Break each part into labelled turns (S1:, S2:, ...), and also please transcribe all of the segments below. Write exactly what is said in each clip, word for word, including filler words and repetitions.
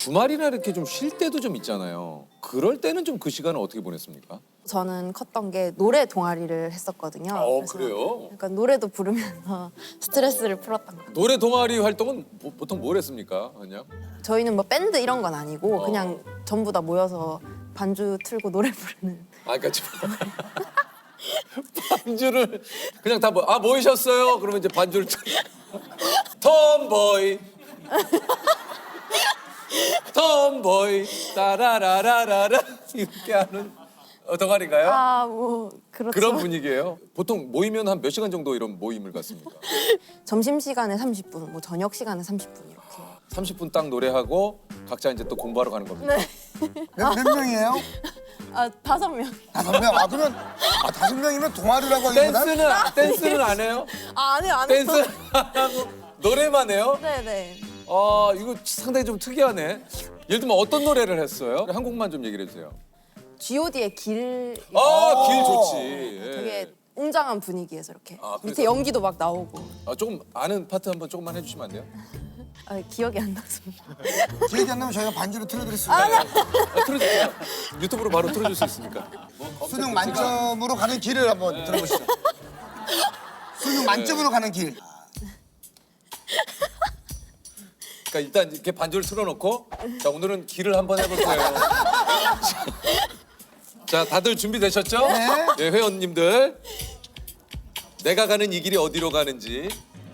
S1: 주말이나 이렇게 좀 쉴 때도 좀 있잖아요. 그럴 때는 좀 그 시간을 어떻게 보냈습니까?
S2: 저는 컸던 게 노래 동아리를 했었거든요.
S1: 어,
S2: 그래서
S1: 그래요?
S2: 약간 노래도 부르면서 스트레스를 풀었던 것 같아요.
S1: 노래 동아리 활동은 보, 보통 뭘 했습니까? 그냥?
S2: 저희는 뭐 밴드 이런 건 아니고
S1: 어.
S2: 그냥 전부 다 모여서 반주 틀고 노래 부르는.
S1: 아, 그러니까 반주를 그냥 다 뭐, 아, 모이셨어요? 그러면 이제 반주를 틀 톰보이 톰보이 따라라라라라 이렇게 하는 어, 동아리인가요?
S2: 아, 뭐 그렇죠.
S1: 그런 분위기예요? 보통 모이면 한 몇 시간 정도 이런 모임을 갖습니까?
S2: 점심 시간에 삼십 분, 뭐 저녁 시간에 삼십 분 이렇게.
S1: 삼십 분 딱 노래하고 각자 이제 또 공부하러 가는 겁니다.
S2: 네.
S3: 몇, 몇 명이에요?
S2: 아, 다섯 명.
S3: 다섯 명. 아 그러면 아 다섯 명이면 동아리라고 하기보다
S1: 댄스는 댄스는 안 해요?
S2: 아, 안 해요, 안 해요.
S1: 댄스 안 하고 노래만 해요?
S2: 네, 네.
S1: 아, 이거 상당히 좀 특이하네. 예를 들면 어떤 노래를 했어요? 한 곡만 좀 얘기를 해주세요.
S2: 지 오 D의 길.
S1: 아, 길 좋지. 예.
S2: 되게 웅장한 분위기에서 이렇게
S1: 아, 그래서-
S2: 밑에 연기도 막 나오고.
S1: 아, 조금 아는 파트 한번 조금만 해주시면 안 돼요?
S2: 아, 기억이 안 나서.
S3: 기억이 안 나면 저희가 반주로 틀어드렸습니다.
S1: 아, 틀어주세요. 유튜브로 바로 틀어줄 수 있으니까.
S3: 수능 만점으로 가는 길을 한번 들어보시죠. 수능 만점으로 가는 길.
S1: 그러니까 일단 이렇게 반주를 틀어놓고 자, 오늘은 길을 한번 해볼 거예요. 자, 다들 준비되셨죠?
S3: 네.
S1: 예, 회원님들. 내가 가는 이 길이 어디로 가는지.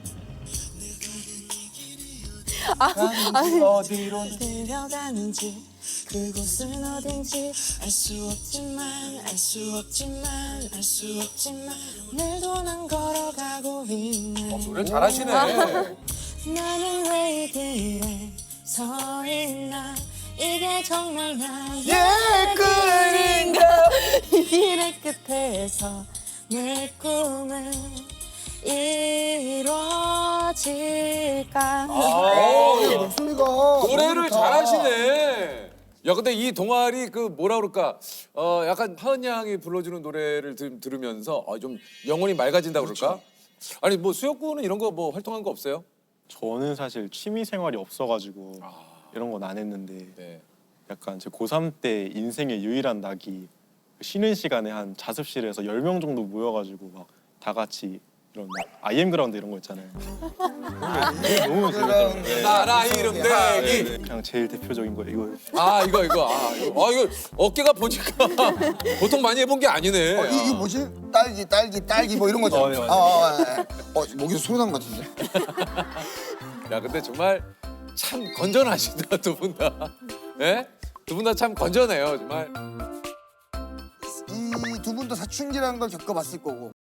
S3: 어디로?
S2: 들려가는지 그곳은 어딘지 알 수 없지만 알 수 없지만 알 수 없지만 오늘도 난 걸어가고 있네.
S1: 어, 노래 잘하시네.
S2: 나는 왜 이 길에 서 있나 이게 정말 나의
S3: 예,
S2: 꿈인가 이 길의 끝에서 내 꿈은 이루어질까.
S1: 아,
S3: 목소리가
S1: 노래를
S3: 좋다.
S1: 잘하시네. 야, 근데 이 동아리 그 뭐라 그럴까? 어, 약간 하은 양이 불러주는 노래를 들, 들으면서 아, 좀 영혼이 맑아진다 그럴까? 아니 뭐 수혁군은 이런 거 뭐 활동한 거 없어요?
S4: 저는 사실 취미 생활이 없어가지고 이런 건 안 했는데
S1: 네.
S4: 약간 제 고삼 때 인생의 유일한 낙이 쉬는 시간에 한 자습실에서 열 명 정도 모여가지고 막 다 같이 이런 아이엠 그라운드 이런 거 있잖아요. 그게 너무 재밌더라고요. 네.
S1: 나라 이름 내기.
S4: 네, 그냥 제일 대표적인 거 이거.
S1: 아, 이거 이거 아 이거, 아, 이거 어깨가 보니까 보통 많이 해본 게 아니네.
S3: 어, 이, 이거 뭐지? 딸기, 딸기, 딸기 뭐 이런 거죠?
S4: 어, 네, 맞아요.
S3: 아, 아, 아, 아. 어, 목에서 소리 나는 것 같은데?
S1: 야, 근데 정말 참 건전하시다 두 분 다. 예? 두 분 다 참 건전해요 정말.
S3: 이 두 분도 사춘기라는 걸 겪어봤을 거고